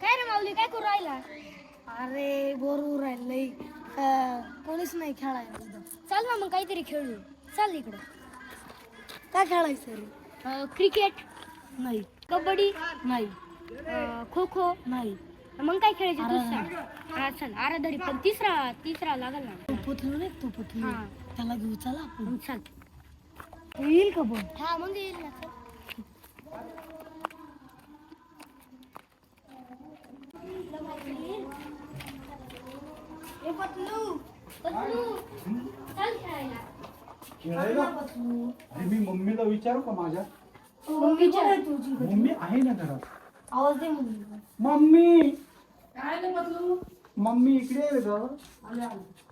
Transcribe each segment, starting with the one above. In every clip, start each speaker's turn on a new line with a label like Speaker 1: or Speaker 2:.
Speaker 1: काय रे माऊली काय करू राहिला? अरे बोर राहिलंय, कोणीच नाही खेळायला इथं. चल ना मग काहीतरी खेळू. चल इकडं. काय खेळायचं रे? क्रिकेट नाही, कबड्डी नाही, खो खो नाही. मग काय खेळायचं तू सांग. हा चल आराधडी, पण तिसरा लागल ना. तू पुतलू नाही, तू पुतलू त्याला घेऊ. चला आपण. चल येईल का पण? हा मग येईल ना. ए पतलू पतलू चल खेळायला.
Speaker 2: खेळायला? अरे मी मम्मीला विचारू का माझ्या?
Speaker 1: मम्मी विचार तुझी.
Speaker 2: मम्मी आहे ना घरात.
Speaker 1: आवाज दे मम्मी.
Speaker 2: मम्मी
Speaker 3: काय रे बदलू?
Speaker 2: मम्मी इकडे ये ग.
Speaker 3: आले.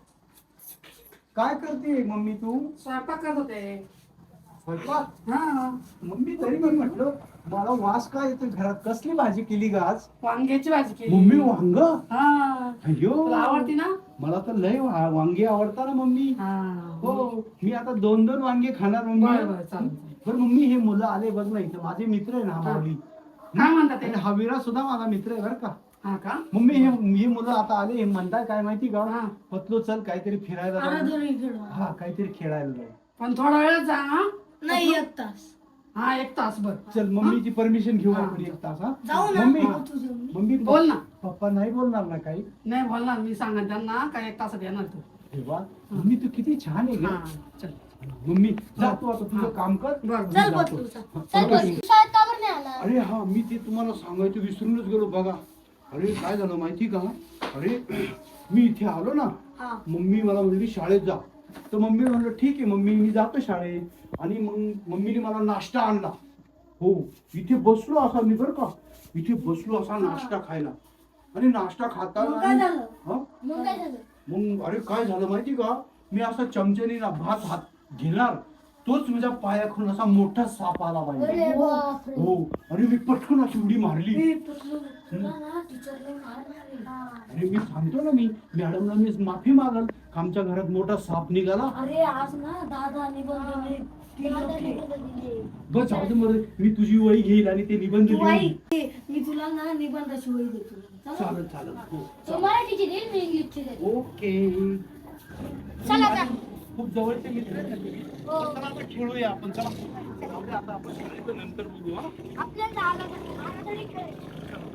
Speaker 2: काय करते मम्मी तू?
Speaker 3: स्वयंपाक करत होते.
Speaker 2: स्वयंपाक?
Speaker 3: हा,
Speaker 2: मम्मी तरी मी म्हटलं मला वास काय येतो घरात. कसली भाजी केली ग आज?
Speaker 3: वांग्याची भाजी केली.
Speaker 2: मम्मी वांग?
Speaker 3: हा,
Speaker 2: अयो
Speaker 3: तुला आवडती ना?
Speaker 2: मला तर लय वांगे आवडतात ना मम्मी.
Speaker 3: हा,
Speaker 2: हो मी आता 2-2 वांगे खाणार
Speaker 3: बरं
Speaker 2: मम्मी.
Speaker 3: बरं चालेल.
Speaker 2: पण मम्मी हे मुलं आले बघ ना इथं. माझे मित्र आहे ना हा माऊली.
Speaker 3: काय म्हणतात ते?
Speaker 2: आणि हा विरा सुद्धा माझा मित्र आहे बरं का.
Speaker 3: हा का?
Speaker 2: मम्मी हे मुलं आता आले. हे म्हणताय काय माहिती का?
Speaker 3: हा.
Speaker 2: पतलो चल काहीतरी फिरायला जाऊ.
Speaker 1: आराधडी खेळू.
Speaker 2: हा काहीतरी खेळायला जाऊ.
Speaker 3: पण थोडा वेळ जा. हा
Speaker 1: नाही 1 तास.
Speaker 3: हा, 1 तास बर.
Speaker 2: चल मम्मीची परमिशन घेऊ
Speaker 3: हा.
Speaker 2: आपण 1 तास. हा
Speaker 1: जाऊ ना.
Speaker 2: मम्मी
Speaker 1: तुझं.
Speaker 2: मम्मी
Speaker 3: बोल ना.
Speaker 2: पप्पा नाही बोलणार ना काही?
Speaker 3: नाही बोलणार, मी सांगा त्यांना काय 1 तासात येणार तू.
Speaker 2: तेव्हा मम्मी तू किती छान आहे
Speaker 3: हा
Speaker 2: ग.
Speaker 3: चल.
Speaker 2: मम्मी जा तू आता तुझं काम कर.
Speaker 3: बरं.
Speaker 2: मी
Speaker 1: चल
Speaker 2: जातो.
Speaker 1: पतलू चल.
Speaker 2: हा,
Speaker 1: चल
Speaker 2: चल.
Speaker 1: बस. शाळेत का बरं नाही आला?
Speaker 2: अरे हा मी ते तुम्हाला सांगायचं विसरूनच गेलो बघा. अरे काय झालं माहिती का? अरे मी इथे आलो ना.
Speaker 1: हा.
Speaker 2: मम्मी मला म्हणली शाळेत जा. तर मम्मी म्हणलं ठीक आहे मम्मी मी जातो शाळेत. आणि मग मम्मीने मला नाश्ता आणला. हो इथे बसलो असा मी बरं का. इथे बसलो असा नाश्ता खायला. आणि नाश्ता
Speaker 1: मग काय
Speaker 2: खाताना
Speaker 1: झालं?
Speaker 2: हा?
Speaker 1: मग काय झालं?
Speaker 2: मग अरे काय झालं माहिती का? मी असा चमच्याने ना भात हात घेणार तोच माझ्या पायाखालून असा मोठा साप आला
Speaker 1: अरे
Speaker 2: पाहिजे.
Speaker 1: बापरे.
Speaker 2: हो आणि मी पटकन अशी उडी मारली.
Speaker 1: ए पतलू तुला ना टीचरला मारणार आहे.
Speaker 2: अरे मी सांगतो ना मी मॅडमला मी माफी मागल. आमच्या घरात मोठा साप निघाला.
Speaker 1: अरे आज ना दादा निबंध दिले.
Speaker 2: बस जाऊ दे मग मी तुझी वही घेईल आणि ते निबंध
Speaker 1: तू
Speaker 2: लिहून.
Speaker 1: आई मी तुला ना निबंधाची वही देतो.
Speaker 2: चालेल चालेल हो.
Speaker 1: तू मराठीची देईल, मी इंग्लिशची देईल.
Speaker 2: ओके.
Speaker 1: चला आता.
Speaker 2: खूप जवळचे मित्र आहेत ना तुम्ही.
Speaker 1: हो.
Speaker 2: चला आता खेळूया आपण. चला जाऊ दे आता आपण शाळेत नंतर बघू. हा
Speaker 1: आपल्याला आराधडी खेळायची.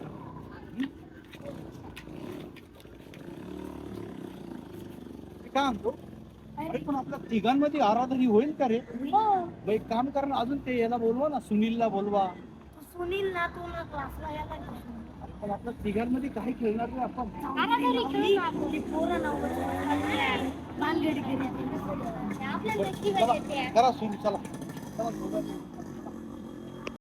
Speaker 2: मी काय म्हणतो? अरे पण आपल्या तिघांमध्ये आराधनी होईल का रे?
Speaker 1: हो.
Speaker 2: मग एक काम कर ना अजून ते याला बोलवा ना सुनीलला बोलवा.
Speaker 1: सुनील ना तू ना क्लासला यायला लागला.
Speaker 2: पण आपल्या तिघांमध्ये काही खेळणार नाही आपण.
Speaker 1: आराधडी खेळू ना आपण. ती पोरं ना भानगडी खेळायची. आपल्याला नक्की
Speaker 2: चला
Speaker 1: मजा येते.
Speaker 2: करा सुरू चला. चला